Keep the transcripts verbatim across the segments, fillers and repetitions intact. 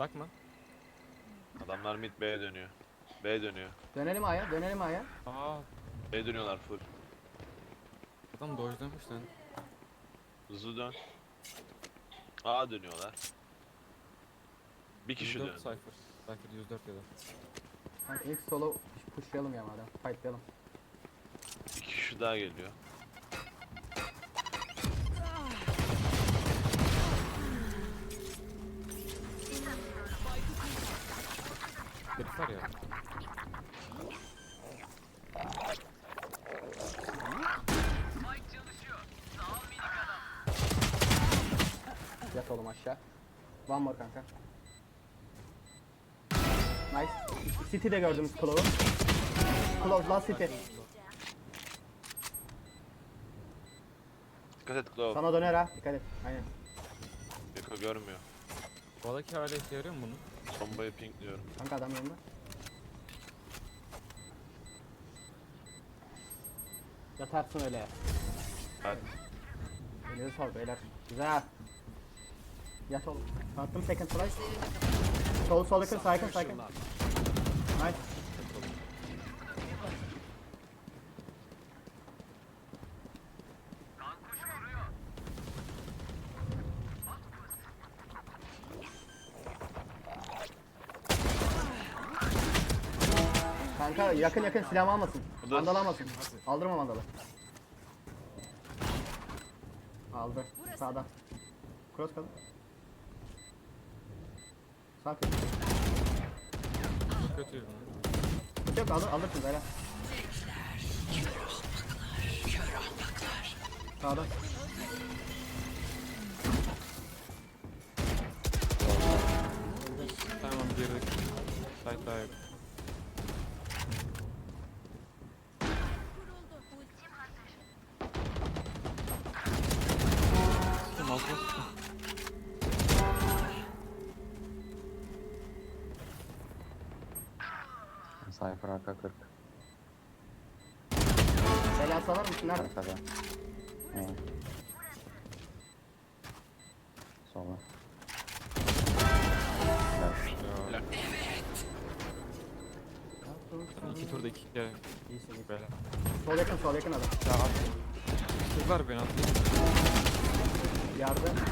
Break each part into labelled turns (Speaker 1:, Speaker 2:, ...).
Speaker 1: Bakma.
Speaker 2: Adamlar mid B'ye dönüyor. B dönüyor.
Speaker 3: Dönelim A'ya, dönelim A'ya.
Speaker 1: Aa,
Speaker 2: B dönüyorlar full.
Speaker 1: adam dojlamış lan.
Speaker 2: Hızlı dön. A dönüyorlar. Bir kişi
Speaker 1: yüz dört
Speaker 2: dön.
Speaker 1: Cypher. Cypher yüz dört ya da.
Speaker 3: Kanka ilk solo pushlayalım ya madem. Fightlayalım.
Speaker 2: Bir kişi daha geliyor.
Speaker 1: Herif var ya.
Speaker 3: Yat oğlum aşağı. One more kanka. Nice. City'de gördüğümüz Clove'u. Clove last City.
Speaker 2: Dikkat et Claw.
Speaker 3: Sana döner ha. Dikkat et. Aynen.
Speaker 2: Yoko görmüyor.
Speaker 1: Buradaki hala işe yarıyor mu bunun?
Speaker 2: Bombayı pinkliyorum.
Speaker 3: Kanka adam yanında. Yatarsın öyle.
Speaker 2: Hadi.
Speaker 3: Elinize sağlık beyler. Güzel. Yat oğlum. Attım second flash. Sol sol yakın sağ yakın sağ yakın. Nice. Kanka yakın yakın silahımı almasın.
Speaker 2: Bu da-
Speaker 3: Mandal almasın. Aldırma mandalı. Aldı. Sağda. Cross kalın. Sağ kız.
Speaker 1: Çok kötüydü lan.
Speaker 3: Hiç yok alır, alırsın böyle. Sağda.
Speaker 1: Tamam girdik. Site daha yok. Kim aldı?
Speaker 4: Cypher arka kırk.
Speaker 3: Bela salar mısın? Nerede?
Speaker 4: Arkada. Ne? Sola.
Speaker 1: Ya. İki turda iki kere.
Speaker 3: İyisin iyisin.
Speaker 1: Böyle.
Speaker 3: Sol yakın sol yakın adam.
Speaker 1: Ya at. Kızlar beni attı.
Speaker 3: Yardım.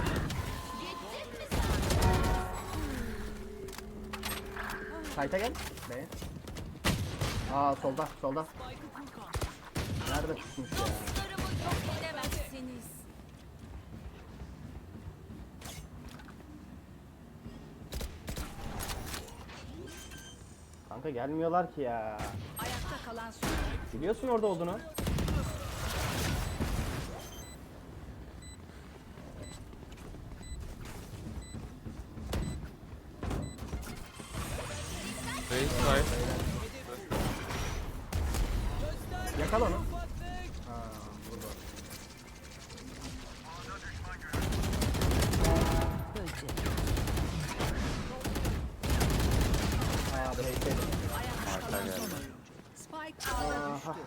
Speaker 3: Kayta gel. Be. Aa solda solda. Nerede tutmuş ya?
Speaker 5: Dostlarımı yok edemezsiniz.
Speaker 3: Kanka gelmiyorlar ki ya.
Speaker 5: Ayakta kalan son.
Speaker 3: Biliyorsun orada olduğunu.
Speaker 1: Raise side.
Speaker 3: Yakala onu. Ha, burada. Aa, bir heykeli.
Speaker 5: Ayakta kalan son oyuncu. Spike ağda
Speaker 3: Aha.
Speaker 5: düştü.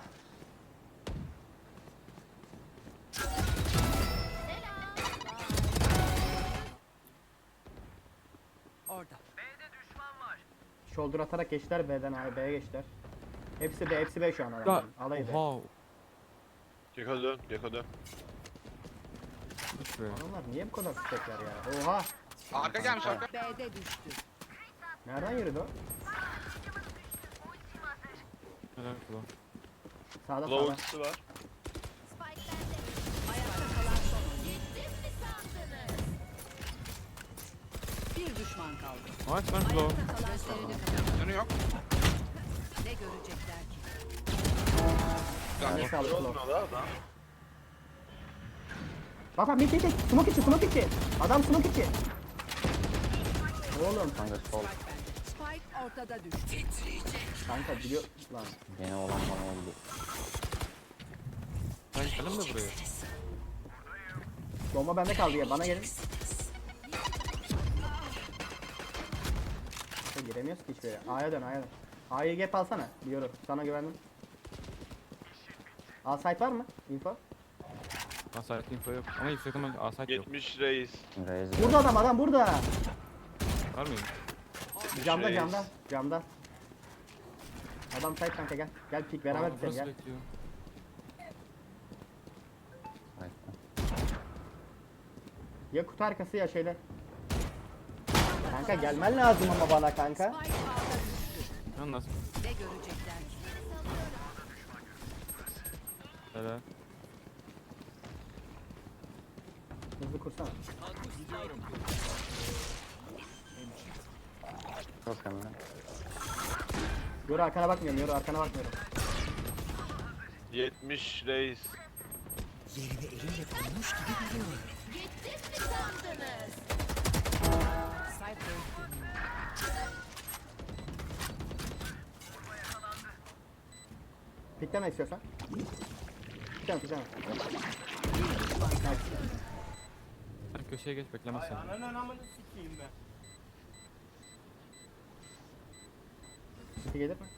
Speaker 5: Orada.
Speaker 3: Shoulder atarak geçtiler B'den A'ya B'ye geçtiler. Hepsi B, hepsi B şu an adamların. Alayı B.
Speaker 1: Oha.
Speaker 2: Geko dön. Geko dön.
Speaker 1: Hiç be.
Speaker 3: Adamlar niye bu kadar sıkacaklar ya? Oha!
Speaker 6: Arka gelmiş arka.
Speaker 5: B'de düştü.
Speaker 3: Nereden yürüdü o?
Speaker 1: Helal kulağı.
Speaker 3: Sağda
Speaker 2: Claw
Speaker 3: sağda.
Speaker 2: ultisi var.
Speaker 5: Ayakta kalan son oyuncu. Bir düşman kaldı.
Speaker 1: Nice lan kulağı.
Speaker 5: Ayakta kalan son oyuncu.
Speaker 6: Canı yok.
Speaker 5: Ne görecekler ki?
Speaker 3: Ne sağlık
Speaker 2: Ne
Speaker 3: Claw.
Speaker 2: oldu adam?
Speaker 3: Bak bak mid mid mid. Smoke içi smoke içi. Adam smoke içi. Oğlum
Speaker 4: Kanka sol.
Speaker 5: Spike ortada düştü.
Speaker 3: kanka biliyor lan.
Speaker 4: Gene olan bana oldu.
Speaker 1: Ben geldim de buraya.
Speaker 3: Bomba bende kaldı ya bana gelin. Ya, giremiyoruz ki hiçbir yere. A'ya dön A'ya dön. A'yı gap alsana. Biliyorum. Sana güvendim. A site var mı? Info.
Speaker 1: Asayet info yok. Ama yüksekten asayet yok.
Speaker 2: yetmiş reis.
Speaker 4: Raise.
Speaker 3: Burada adam adam burada.
Speaker 1: Var mıyım?
Speaker 2: yetmiş
Speaker 3: Camda
Speaker 2: reis.
Speaker 3: camda camda. Adam side kanka gel. Gel pik beraber
Speaker 1: Aa,
Speaker 3: bitelim
Speaker 1: burası
Speaker 3: gel.
Speaker 1: bekliyor.
Speaker 4: Site'da.
Speaker 3: Ya kutu arkası ya şeyler. Kanka gelmen lazım ama bana kanka.
Speaker 5: Spike A'da düştü.
Speaker 1: Yalnız.
Speaker 5: Ne görecekler ki?
Speaker 1: Helal.
Speaker 3: Hızlı kursana.
Speaker 4: Çok önemli.
Speaker 3: Yoru arkana bakmıyorum, yoru arkana bakmıyorum.
Speaker 2: yetmiş reis.
Speaker 5: Yerimi eliyle bulmuş gibi biliyorum. Cypher
Speaker 3: Pikleme istiyorsan. Pikleme pikleme.
Speaker 1: Sen köşeye geç beklemez seni.
Speaker 3: Pik gelir mi?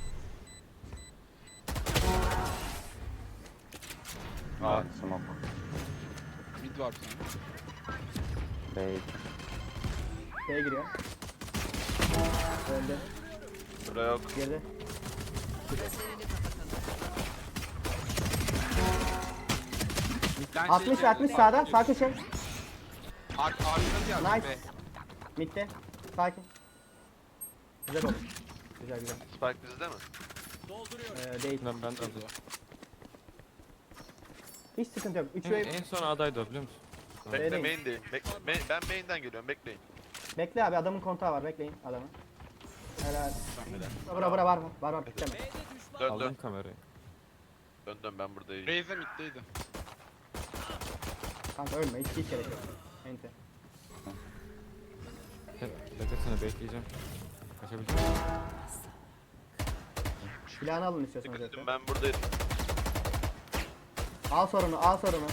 Speaker 2: Aa,
Speaker 4: Smoke.
Speaker 6: Mid var bir tane.
Speaker 4: B iki.
Speaker 3: B'ye giriyor. Öldü.
Speaker 2: bura yok.
Speaker 3: Girdi.
Speaker 5: gözlerini kapatalım.
Speaker 6: Midden
Speaker 3: altmış
Speaker 6: şey
Speaker 3: altmış
Speaker 6: geldi.
Speaker 3: sağda. Sağ köşe.
Speaker 6: Ar arkada geldi
Speaker 3: Nice.
Speaker 6: be.
Speaker 3: Mid'de. Sakin. Güzel oldu. Güzel güzel.
Speaker 2: Spike bizde mi?
Speaker 3: Ee, değil.
Speaker 1: Ben ben de aldım.
Speaker 3: Hiç sıkıntı yok. üç
Speaker 1: En,
Speaker 3: ve
Speaker 1: en son adaydı o biliyor musun?
Speaker 2: Bekle
Speaker 3: Vereyim.
Speaker 2: main değil. Bek main- ben main'den geliyorum bekleyin.
Speaker 3: bekle abi adamın kontağı var. Bekleyin adamı. Helal. Bura bura var mı? Var var pikleme.
Speaker 2: Dön
Speaker 1: Aldım
Speaker 2: dön.
Speaker 1: kamerayı.
Speaker 2: Dön dön ben buradayım.
Speaker 6: Raze middeydi.
Speaker 3: Kanka ölme. Hiç hiç gerek yok. Ente.
Speaker 1: Hep beklesene bekleyeceğim. Kaçabileceğim.
Speaker 3: Silahını alın istiyorsanız
Speaker 2: Dikkat edin
Speaker 3: zaten.
Speaker 2: ben buradayım.
Speaker 3: Al sorunu, al sorunu.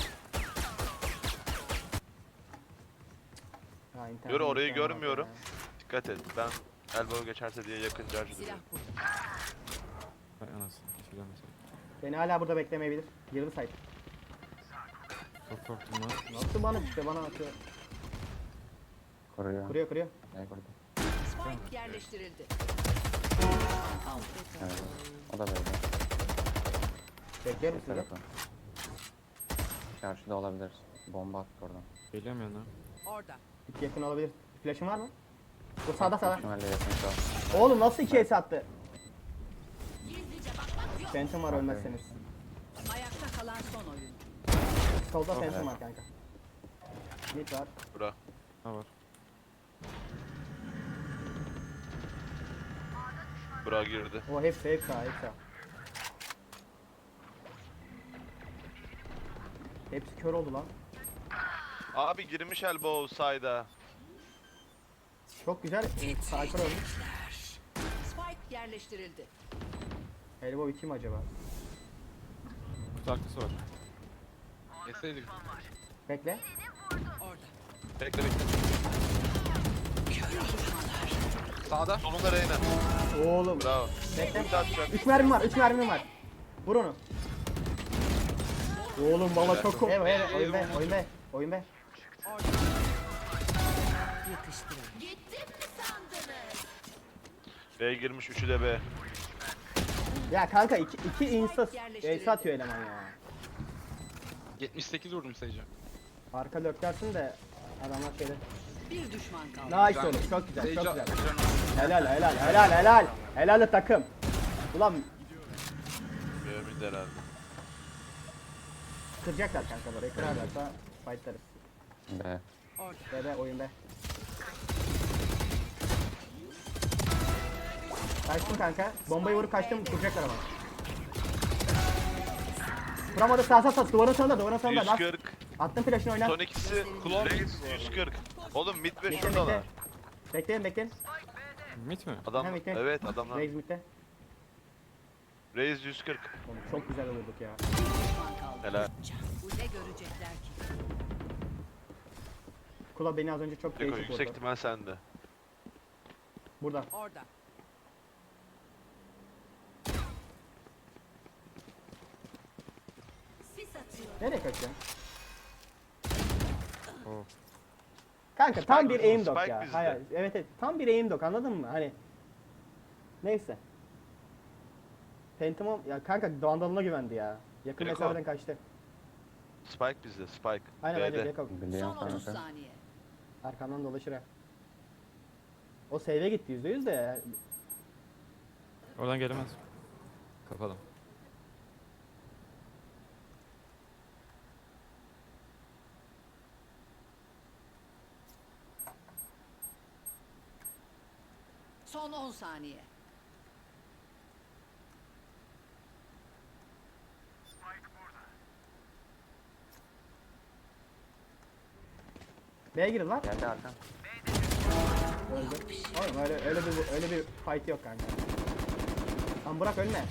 Speaker 3: Ha, internet-
Speaker 2: Yürü, orayı
Speaker 3: internet
Speaker 2: görmüyorum.
Speaker 3: ya.
Speaker 2: Dikkat et. Ben elbow geçerse diye yakın charge
Speaker 5: Silah
Speaker 2: duruyorum.
Speaker 5: burada.
Speaker 1: Hay anasını. Hiç bilemezsin.
Speaker 3: Beni hala burada beklemeyebilir. Girdi site.
Speaker 1: Çok korktum lan.
Speaker 3: Nasıl bana işte bana atıyor.
Speaker 4: Kuruyor.
Speaker 3: Kuruyor kuruyor.
Speaker 4: B kurdu.
Speaker 5: Spike yerleştirildi.
Speaker 4: Evet. O da B'de.
Speaker 3: Bekliyorum
Speaker 4: Bir
Speaker 3: sizi.
Speaker 4: tarafı. Çarşıda olabilir. Bomba attı oradan.
Speaker 1: Geliyorum yanına.
Speaker 5: Orada.
Speaker 3: Hiç yakın olabilir. Flash'ın var mı? Bu sağda sağda.
Speaker 4: İhtimalle yakın şu an.
Speaker 3: Oğlum nasıl iki ace attı? Phantom var ölmezseniz.
Speaker 5: Ayakta kalan son oyun.
Speaker 3: Solda Phantom var kanka. Mid var.
Speaker 2: Bura.
Speaker 1: Ha var.
Speaker 2: Bura girdi.
Speaker 3: O hepsi hepsi sağ hepsi sağ. Hepsi kör oldu lan.
Speaker 2: Abi girmiş elbow side'a.
Speaker 3: Çok güzel. Cypher ölmüş.
Speaker 5: Spike yerleştirildi.
Speaker 3: Elbow iki mi acaba?
Speaker 1: Kutu arkası var.
Speaker 6: Yeseydik.
Speaker 3: Bekle.
Speaker 5: Orada.
Speaker 2: Bekle bekle.
Speaker 6: Sağda.
Speaker 2: Solunda Reyna.
Speaker 3: Oğlum.
Speaker 2: Bravo.
Speaker 3: Bekle.
Speaker 2: Ulti atacak.
Speaker 3: üç mermim var. üç mermim var. Vur onu. Oğlum valla çok korktum. Evet evet oyun be oyun be. Oyun be.
Speaker 5: Orada. Yakıştırın.
Speaker 2: B girmiş üçü de B.
Speaker 3: Ya kanka iki, iki insta ace atıyor eleman ya.
Speaker 6: yetmiş sekiz vurdum sayıca.
Speaker 3: Arka dökersin de adamlar şeyde.
Speaker 5: Bir düşman kaldı.
Speaker 3: Nice oğlum çok güzel çok
Speaker 6: Sayıca.
Speaker 3: güzel. Helal helal helal helal. Helal takım. Ulan
Speaker 2: B mid herhalde.
Speaker 3: kıracaklar kanka burayı kırarlarsa fightlarız.
Speaker 4: B.
Speaker 5: Orada.
Speaker 3: Be be oyun be. Kaçtım kanka. Bombayı vurup kaçtım kuracaklar ama. Vuramadı sağ sağ sağ duvarın sonunda duvarın sonunda
Speaker 2: yüz
Speaker 3: lan.
Speaker 2: kırk.
Speaker 3: Attım flash'ını oyna.
Speaker 2: Son ikisi.
Speaker 6: Klon
Speaker 2: Reis yüz kırk. Oğlum mid ve
Speaker 3: Bekle
Speaker 2: şuradalar.
Speaker 3: bekle. Bekleyin bekleyin.
Speaker 1: Mit mi?
Speaker 2: Adam,
Speaker 3: Hem iki.
Speaker 2: evet adamlar.
Speaker 3: Raze mid'de.
Speaker 2: Reis yüz kırk.
Speaker 3: Oğlum çok güzel vurduk ya.
Speaker 5: Bir düşman kaldı.
Speaker 2: Helal.
Speaker 5: Bu ne görecekler ki?
Speaker 3: Kula beni az önce çok
Speaker 2: Deko
Speaker 3: değişik
Speaker 2: yüksek
Speaker 3: vurdu.
Speaker 2: ihtimal sende.
Speaker 3: Burada.
Speaker 5: Orada.
Speaker 3: Nereye kaçıyorsun?
Speaker 1: Oh.
Speaker 3: Kanka tam
Speaker 2: Spike
Speaker 3: bir
Speaker 2: bizde,
Speaker 3: aim dog
Speaker 2: Spike
Speaker 3: ya.
Speaker 2: bizde.
Speaker 3: Hayır, evet evet tam bir aim dog anladın mı? Hani neyse. Phantom'um ya kanka Vandal'ına güvendi ya. Yakın
Speaker 2: Gekko.
Speaker 3: mesafeden kaçtı.
Speaker 2: Spike bizde. Spike.
Speaker 3: Aynen bence
Speaker 2: B'de.
Speaker 3: Gekko.
Speaker 4: Biliyorum
Speaker 5: Son otuz
Speaker 4: kanka.
Speaker 5: saniye.
Speaker 3: Arkamdan dolaşır ha. O save'e gitti yüzde yüz de.
Speaker 1: Oradan gelemez. Kapalı.
Speaker 5: Son on saniye.
Speaker 3: B'ye girin lan.
Speaker 4: Geldi arkam.
Speaker 3: Öldü. Oğlum öyle öyle bir öyle bir fight yok kanka. Lan bırak ölme.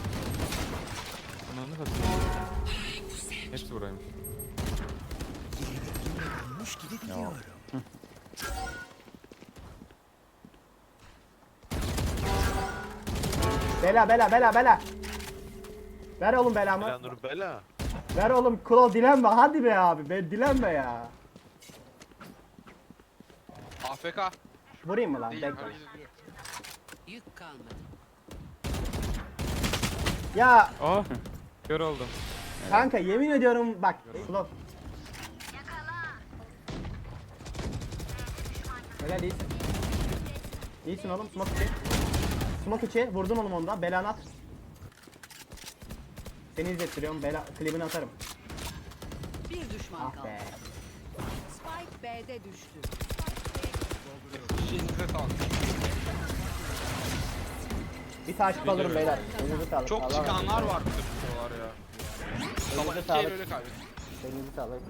Speaker 1: Ananı satayım. Hepsi buraymış.
Speaker 5: Yerini elimle bulmuş gibi biliyorum.
Speaker 3: Bela bela bela bela. Ver oğlum belamı.
Speaker 2: Bela Nur Bela.
Speaker 3: Ver oğlum Klov dilenme hadi be abi. Ben dilenme ya.
Speaker 6: A F K.
Speaker 3: Vurayım mı lan?
Speaker 6: Değil.
Speaker 3: Bekle.
Speaker 6: hareket ediyor.
Speaker 5: Yük kalmadı.
Speaker 3: Ya
Speaker 1: Oh! Kör oldum.
Speaker 3: kanka yemin ediyorum bak. Klov. Helal iyisin. İyisin oğlum smoke içi. Smoke içi vurdun oğlum ondan. Belanı at. Seni izlettiriyorum. Bela klibini atarım.
Speaker 5: Bir düşman
Speaker 3: Ah
Speaker 5: kaldı.
Speaker 3: be.
Speaker 5: Spike B'de düştü.
Speaker 6: İşinize sağlık.
Speaker 3: Bir takip alırım beyler. Elinize sağlık.
Speaker 6: Çok
Speaker 3: Allah
Speaker 6: çıkanlar
Speaker 3: razı olsun.
Speaker 6: var bu buralar ya. Sabah
Speaker 3: Elinize
Speaker 6: iki el
Speaker 3: sağlık.
Speaker 6: öyle kaybettim.
Speaker 3: Elinize sağlık.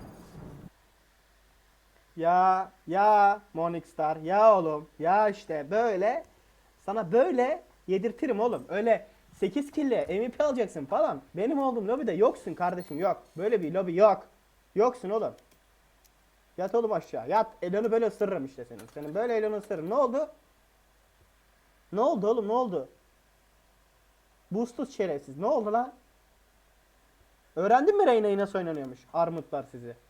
Speaker 3: Ya ya Morningstar ya oğlum ya işte böyle sana böyle yedirtirim oğlum. Öyle sekiz kille M V P alacaksın falan. Benim olduğum lobide yoksun kardeşim yok. Böyle bir lobi yok. Yoksun oğlum. Yat oğlum aşağı. Yat. Elini böyle ısırırım işte senin. Senin böyle elini ısırırım. Ne oldu? Ne oldu oğlum ne oldu? Boostsuz şerefsiz. Ne oldu lan? Öğrendin mi Reyna'yı nasıl oynanıyormuş? Armutlar sizi.